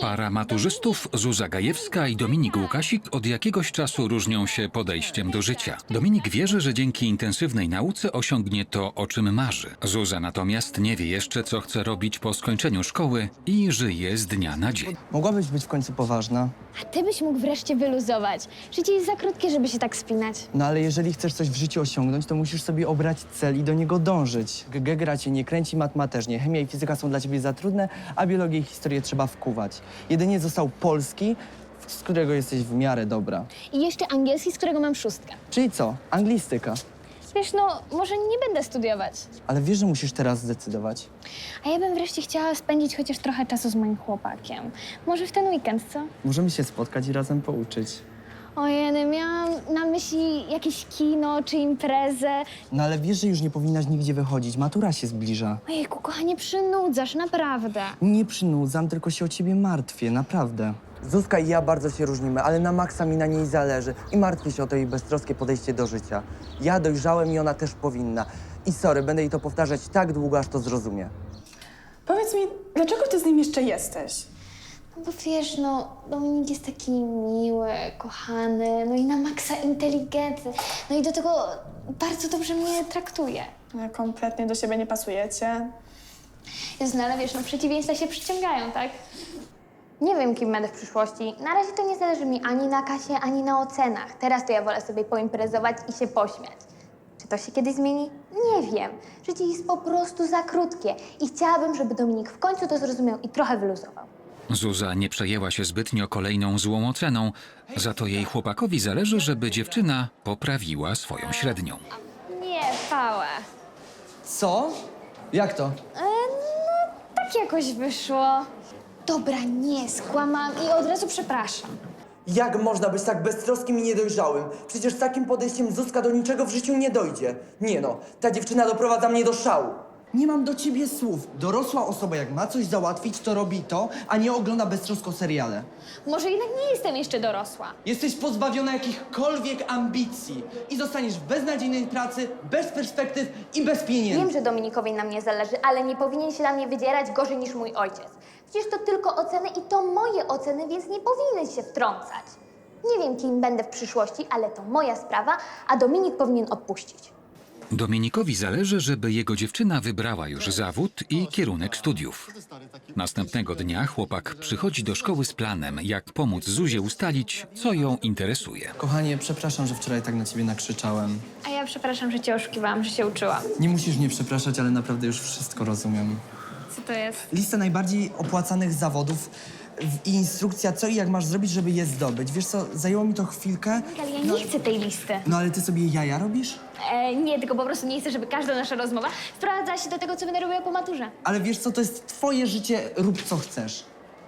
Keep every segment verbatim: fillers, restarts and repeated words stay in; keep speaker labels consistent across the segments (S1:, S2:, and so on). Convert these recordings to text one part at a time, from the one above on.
S1: Para maturzystów Zuza Gajewska i Dominik Łukasik od jakiegoś czasu różnią się podejściem do życia. Dominik wierzy, że dzięki intensywnej nauce osiągnie to, o czym marzy. Zuza natomiast nie wie jeszcze, co chce robić po skończeniu szkoły i żyje z dnia na dzień.
S2: Mogłabyś być w końcu poważna.
S3: A ty byś mógł wreszcie wyluzować. Życie jest za krótkie, żeby się tak spinać.
S2: No ale jeżeli chcesz coś w życiu osiągnąć, to musisz sobie obrać cel i do niego dążyć. Geogra cię nie kręci, matma też nie. Chemia i fizyka są dla ciebie za trudne, a biologię i historię trzeba wkuwać. Jedynie został polski, z którego jesteś w miarę dobra.
S3: I jeszcze angielski, z którego mam szóstkę.
S2: Czyli co? Anglistyka.
S3: Wiesz, no, może nie będę studiować.
S2: Ale wiesz, że musisz teraz zdecydować.
S3: A ja bym wreszcie chciała spędzić chociaż trochę czasu z moim chłopakiem. Może w ten weekend, co?
S2: Możemy się spotkać i razem pouczyć.
S3: Ojej, miałam na myśli jakieś kino czy imprezę.
S2: No ale wiesz, że już nie powinnaś nigdzie wychodzić. Matura się zbliża.
S3: Ojejku, kochanie, przynudzasz, naprawdę.
S2: Nie przynudzam, tylko się o ciebie martwię, naprawdę. Zuzka i ja bardzo się różnimy, ale na maksa mi na niej zależy i martwię się o to jej beztroskie podejście do życia. Ja dojrzałem i ona też powinna. I sorry, będę jej to powtarzać tak długo, aż to zrozumie.
S4: Powiedz mi, dlaczego ty z nim jeszcze jesteś?
S3: No bo wiesz, no, Dominik jest taki miły, kochany, no i na maksa inteligentny. No i do tego bardzo dobrze mnie traktuje.
S4: No, kompletnie do siebie nie pasujecie.
S3: Jezu, no ale wiesz, no przeciwieństwa się przyciągają, tak? Nie wiem, kim będę w przyszłości. Na razie to nie zależy mi ani na kasie, ani na ocenach. Teraz to ja wolę sobie poimprezować i się pośmiać. Czy to się kiedyś zmieni? Nie wiem. Życie jest po prostu za krótkie i chciałabym, żeby Dominik w końcu to zrozumiał i trochę wyluzował.
S1: Zuza nie przejęła się zbytnio kolejną złą oceną, za to jej chłopakowi zależy, żeby dziewczyna poprawiła swoją średnią.
S3: Nie, pała.
S2: Co? Jak to?
S3: E, no, tak jakoś wyszło. Dobra, nie, skłamam i od razu przepraszam.
S2: Jak można być tak beztroskim i niedojrzałym? Przecież z takim podejściem Zuzka do niczego w życiu nie dojdzie. Nie no, ta dziewczyna doprowadza mnie do szału. Nie mam do ciebie słów. Dorosła osoba, jak ma coś załatwić, to robi to, a nie ogląda beztrosko seriale.
S3: Może jednak nie jestem jeszcze dorosła.
S2: Jesteś pozbawiona jakichkolwiek ambicji i zostaniesz w beznadziejnej pracy, bez perspektyw i bez pieniędzy.
S3: Wiem, że Dominikowi na mnie zależy, ale nie powinien się na mnie wydzierać gorzej niż mój ojciec. Przecież to tylko oceny i to moje oceny, więc nie powinien się wtrącać. Nie wiem, kim będę w przyszłości, ale to moja sprawa, a Dominik powinien odpuścić.
S1: Dominikowi zależy, żeby jego dziewczyna wybrała już zawód i kierunek studiów. Następnego dnia chłopak przychodzi do szkoły z planem, jak pomóc Zuzie ustalić, co ją interesuje.
S2: Kochanie, przepraszam, że wczoraj tak na ciebie nakrzyczałem.
S3: A ja przepraszam, że cię oszukiwałam, że się uczyłam.
S2: Nie musisz mnie przepraszać, ale naprawdę już wszystko rozumiem.
S3: Co to jest?
S2: Lista najbardziej opłacanych zawodów w- i instrukcja, co i jak masz zrobić, żeby je zdobyć. Wiesz co, zajęło mi to chwilkę.
S3: Ale ja nie chcę tej listy.
S2: No ale ty sobie jaja robisz?
S3: E, nie, tylko po prostu nie chcę, żeby każda nasza rozmowa sprowadzała się do tego, co będę robiła po maturze.
S2: Ale wiesz co, to jest twoje życie, rób co chcesz.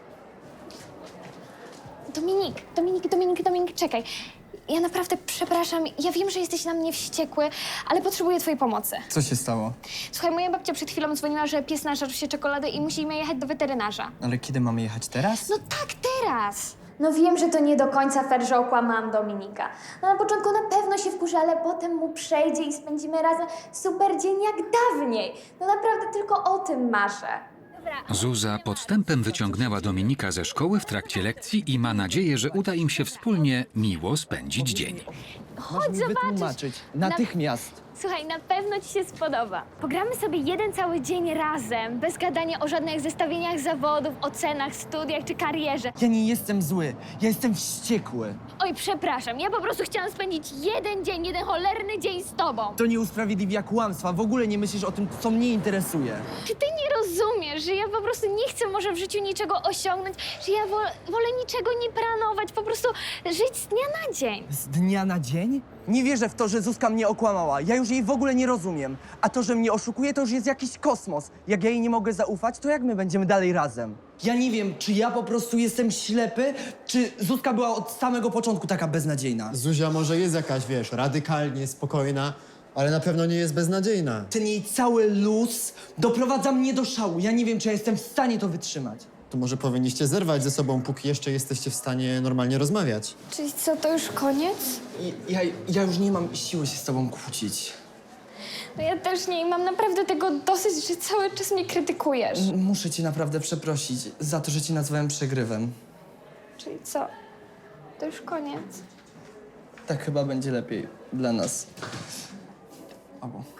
S3: Dominik, Dominik, Dominik, Dominik, czekaj. Ja naprawdę przepraszam. Ja wiem, że jesteś na mnie wściekły, ale potrzebuję twojej pomocy.
S2: Co się stało?
S3: Słuchaj, moja babcia przed chwilą dzwoniła, że pies nażarł się czekolady i musimy jechać do weterynarza.
S2: Ale kiedy mamy jechać teraz?
S3: No tak, teraz! No wiem, że to nie do końca fair, że okłamałam Dominika. No na początku na pewno się wkurzy, ale potem mu przejdzie i spędzimy razem super dzień jak dawniej. No naprawdę tylko o tym marzę.
S1: Zuza podstępem wyciągnęła Dominika ze szkoły w trakcie lekcji i ma nadzieję, że uda im się wspólnie miło spędzić dzień.
S3: Chodź
S2: mi
S3: zobaczyć.
S2: wytłumaczyć. Natychmiast.
S3: Słuchaj, na pewno ci się spodoba. Pogramy sobie jeden cały dzień razem, bez gadania o żadnych zestawieniach zawodów, ocenach, studiach czy karierze.
S2: Ja nie jestem zły, ja jestem wściekły.
S3: Oj, przepraszam, ja po prostu chciałam spędzić jeden dzień, jeden cholerny dzień z tobą.
S2: To nie usprawiedliwia kłamstwa, w ogóle nie myślisz o tym, co mnie interesuje.
S3: Czy ty nie rozumiesz, że ja po prostu nie chcę może w życiu niczego osiągnąć, że ja wolę, wolę niczego nie planować, po prostu żyć z dnia na dzień?
S2: Z dnia na dzień? Nie wierzę w to, że Zuzka mnie okłamała. Ja już jej w ogóle nie rozumiem. A to, że mnie oszukuje, to już jest jakiś kosmos. Jak ja jej nie mogę zaufać, to jak my będziemy dalej razem? Ja nie wiem, czy ja po prostu jestem ślepy, czy Zuzka była od samego początku taka beznadziejna.
S5: Zuzia może jest jakaś, wiesz, radykalnie spokojna, ale na pewno nie jest beznadziejna.
S2: Ten jej cały luz doprowadza mnie do szału. Ja nie wiem, czy ja jestem w stanie to wytrzymać.
S5: To może powinniście zerwać ze sobą, póki jeszcze jesteście w stanie normalnie rozmawiać.
S3: Czyli co, to już koniec?
S2: I, ja, ja już nie mam siły się z tobą kłócić.
S3: No ja też nie i mam naprawdę tego dosyć, że cały czas mnie krytykujesz.
S2: M- Muszę cię naprawdę przeprosić za to, że ci nazwałem przegrywem.
S3: Czyli co? To już koniec.
S2: Tak chyba będzie lepiej dla nas. Obu.